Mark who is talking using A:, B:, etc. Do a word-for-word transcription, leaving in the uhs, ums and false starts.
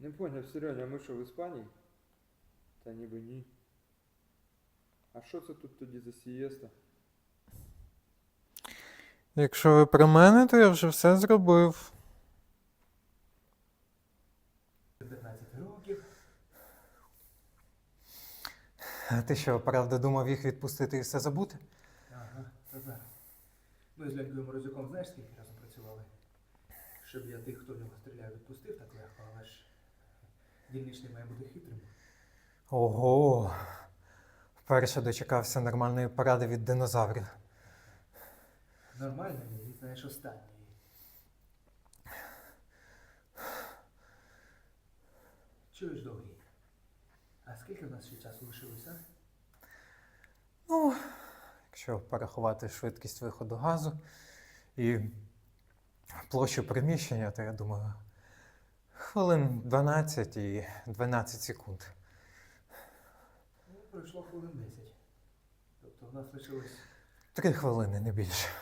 A: Не поняв, Сереня, а ми що, в Іспанії? Та ніби ні. А що це тут тоді за сієста?
B: Якщо ви про мене, то я вже все зробив.
C: п'ятнадцять років.
B: А ти що, правда, думав їх відпустити і все забути?
C: Ага, та зараз. Ми з Ленькою Морозюком знаєш, скільки разом працювали? Щоб я тих, хто в нього стріляє, відпустив так легко, але ж дільничний має бути хитрим.
B: Ого! Вперше дочекався нормальної поради від динозаврів.
C: Нормально, ні, знаєш, останньої. Чуєш, Довгий? А скільки в нас ще часу лишилося?
B: Ну, якщо порахувати швидкість виходу газу і площу приміщення, то я думаю, хвилин дванадцять і дванадцять секунд.
C: Ну, пройшло хвилин десять. Тобто в нас лишилось
B: Три хвилини, не більше.